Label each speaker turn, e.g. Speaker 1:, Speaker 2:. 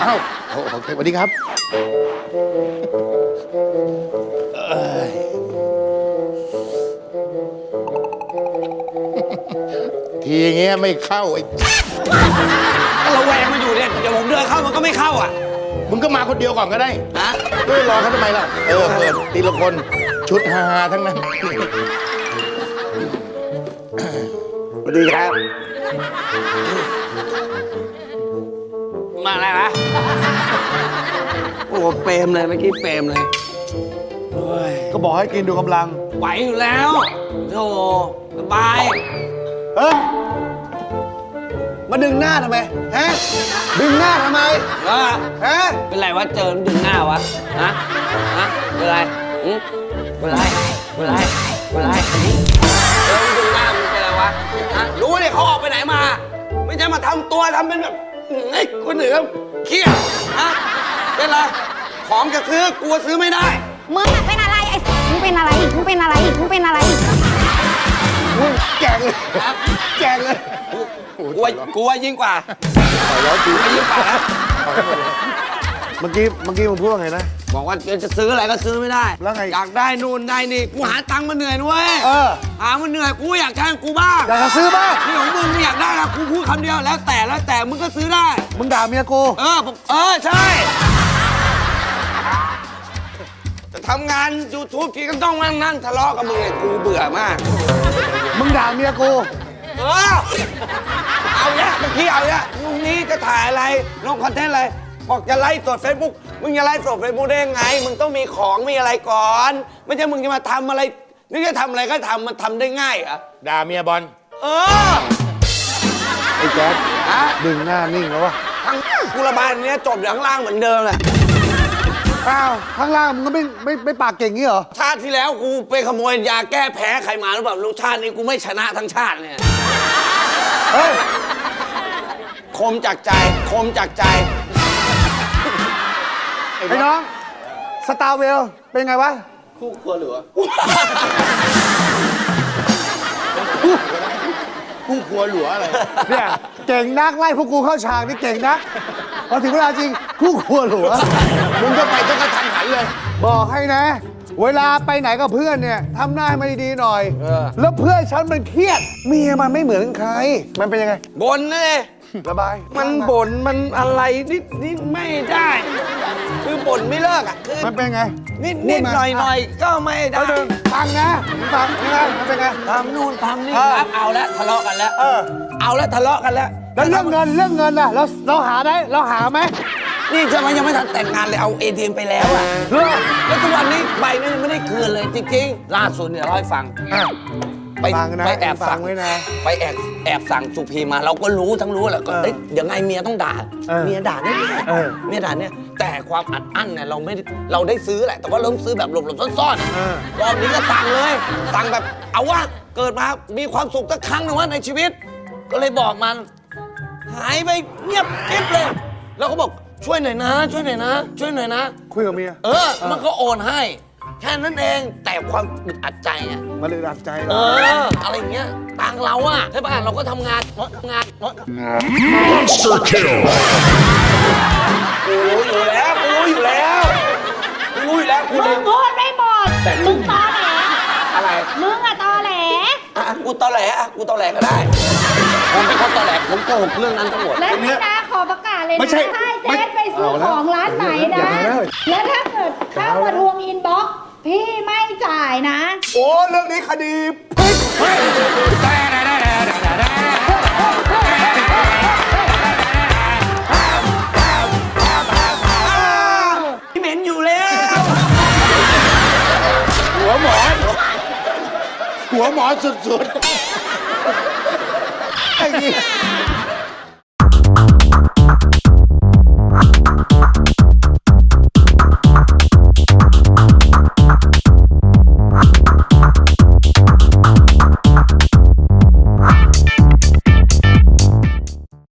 Speaker 1: อ้าวโอเคสวัสดีครับทีอย่างเงี้ยไม่เข้าไอ้
Speaker 2: เราแหวงมันอยู่เนี่ยเดี๋ยวผมเดินเข้ามันก็ไม่เข้าอ่ะ
Speaker 1: มึงก็มาคนเดียวก่อนก็ได้
Speaker 2: ฮะ
Speaker 1: ก็รอเขาทำไมล่ะเปิดทีละคนชุดฮาทั้งนั้น
Speaker 2: สวัสดีครับมาอะไรวะโอ้เปรมเลยเมื่อกี้เปรมเลย
Speaker 3: ก็บอกให้กินดูกำลัง
Speaker 2: ไหวอยู่แล้วโธ่สบาย
Speaker 3: มาดึงหน้าทำไมฮะดึงหน้าทำไมฮะ
Speaker 2: เป็นไรวะเจอดึงหน้าวะฮะเป็นไรเป็นไรเป็นไรเป็นไรดึงหน้ามันเป็นไรวะฮะรู้เนี่ยเขาออกไปไหนมาไม่ใช่มาทำตัวทำเป็นแบบไอ้คนอื่นเครียดฮะเป็นไรของจะซื้อกลัวซื้อไม่ได้
Speaker 4: มึงเป็นอะไรไอ้มึงเป็นอะไรมึงเป็นอะไรมึงเป็นอะไร
Speaker 3: แกงเลยแกงเลย
Speaker 2: กลัวยิ่งกว่ายิ่งกว่านะ
Speaker 3: เมื่อกี้มึงพูดว่าไงนะ
Speaker 2: บอกว่าจะซื้ออะไรก็ซื้อไม่ได้
Speaker 3: แล้วไง
Speaker 2: อยากได้นู่นได้นี่กูหาตังค์มาเหนื่อยนะเว้ยหามันเหนื่อยกูอยากได้กูบ้าง
Speaker 3: อยากจะซื้อบ้าง
Speaker 2: นี่ของมึงอยากได้นะกูพูดคำเดียวแล้วแต่มึงก็ซื้อได้
Speaker 3: มึงด่าเมียกู
Speaker 2: ใช่จะทำงาน YouTube ทีก็ต้องนั่งทะเลาะกับมึงกูเบื่อมาก
Speaker 3: มึงด่าเมียกู
Speaker 2: เอาเนี่ยเมื่อกี้เอาเนี่ยลุงนี้จะถ่ายอะไรลงคอนเทนต์อะไรบอกจะไลฟ์สด Facebook มึงจะไลฟ์สด Facebook ได้ยังไงมึงต้องมีของมีอะไรก่อนไม่ใช่มึงจะมาทำอะไรนึกจะทำอะไรก็ทำมันทำได้ง่ายเหรอ
Speaker 1: ด่าเมียบอล
Speaker 3: ไอ้แจ๊คดึงหน้านิ่งแล้ววะ
Speaker 2: ทั้งกูระบายเนี้ยจบอยู่ข้างล่างเหมือนเดิมแหละ
Speaker 3: อ้าวข้างล่างมึงก็ไม่ปากเก่งงี้เหรอ
Speaker 2: ชาติที่แล้วกูไปขโมยยาแก้แพ้ใครมาหรือเปล่าลูกชาตินี้กูไม่ชนะทั้งชาติเนี่ยคมจากใจ
Speaker 3: ไอ้น้องสตาร์เวลเป็นไงวะ
Speaker 2: คู่ครัวหรือ
Speaker 1: คู่ครัวหลัวอะไร
Speaker 3: เนี่ยเก่งนักไล่พวกกูเข้าฉากนี่เก่งนักพอถึงเวลาจริงคู่ครัวหลัว
Speaker 1: มึงก็ไปจะกระทันหันเลย
Speaker 3: บอกให้นะเวลาไปไหนกับเพื่อนเนี่ยทำหน้าให้มันดีๆหน่อยแล้วเพื่อนฉันมันเครียดเมียมันไม่เหมือนใครมันเป็นยังไง
Speaker 2: บ่นเลย
Speaker 3: ระบาย
Speaker 2: มันบ่นมันอะไรนิดไม่ได้คือบ่นไม่เลิกอ่ะคือ
Speaker 3: มันเป็นไง
Speaker 2: นิดหน่อยก็ไม่ได้
Speaker 3: ฟังนะฟังยังไงมันเป็นไง
Speaker 2: ทำนู่นทำนี่ครับเอาแล้วทะเลาะกันแล้วเอาแล้วทะเลาะกันแล้ว
Speaker 3: แล้วเรื่องเงินน่ะเราหาได้เราหาไหม
Speaker 2: นี่จะมายังไม่ทันแต่งงานเลยเอา ATM ไปแล้วอ่ะแล้วทุกวันนี้ใบนั้นยังไม่ได้คืนเลยจริงๆล่าสุดเนี่ยเราให้ฟังไปแอบสั่ง
Speaker 3: ไว้นะ
Speaker 2: ไปแอบสั่งสุพีมาเราก็รู้ทั้งรู้แหละก็เดี๋ยวไงเมียต้องด่าเมียด่าเนี่ยเมียด่าเนี่ยแต่ความอัดอั้นเนี่ยเราได้ซื้อแหละแต่ว่าเราซื้อแบบหลบๆซ่อนๆรอบนี้ก็สั่งเลยสั่งแบบเอาว่าเกิดมามีความสุขสักครั้งหนึ่งว่าในชีวิตก็เลยบอกมันหายไปเงียบกิ๊บเลยแล้วก็บอกช่วยหน่อยนะช่วยหน่อยนะ
Speaker 3: คุยกับเมีย
Speaker 2: มันก็โอนให้แค่นั้นเองแต่ความอึดอัดใจอ่ะ
Speaker 3: มันอึดอัดใจ
Speaker 2: อะไรอย่างเงี้ยต่างเราอ่ะใช่ป่ะเราก็ทำงาน
Speaker 5: Monster Kill
Speaker 2: กูรู้อยู่แล้วมึงพูด
Speaker 4: ไม่หมดมึงตอแหล
Speaker 2: อะไร
Speaker 4: มึงอะตอแหล
Speaker 2: กูตอแหลก็ได้ผมเป็นคนตอแหลผมโกหกเรื่องนั้นทั้งหมด
Speaker 4: และนี่นะขอประกาศเลยนะถ้าแจ๊ดไปซื้อของร้านไหนนะแล้วถ้าเกิดเข้ามาทวงอินบ็อกซ์พี่ไม่จ่ายนะ
Speaker 3: โอ้เรื่องนี้คดี
Speaker 2: พี่เหม็นอยู่แล้ว
Speaker 1: หัวหมอสุดๆไอ้นี่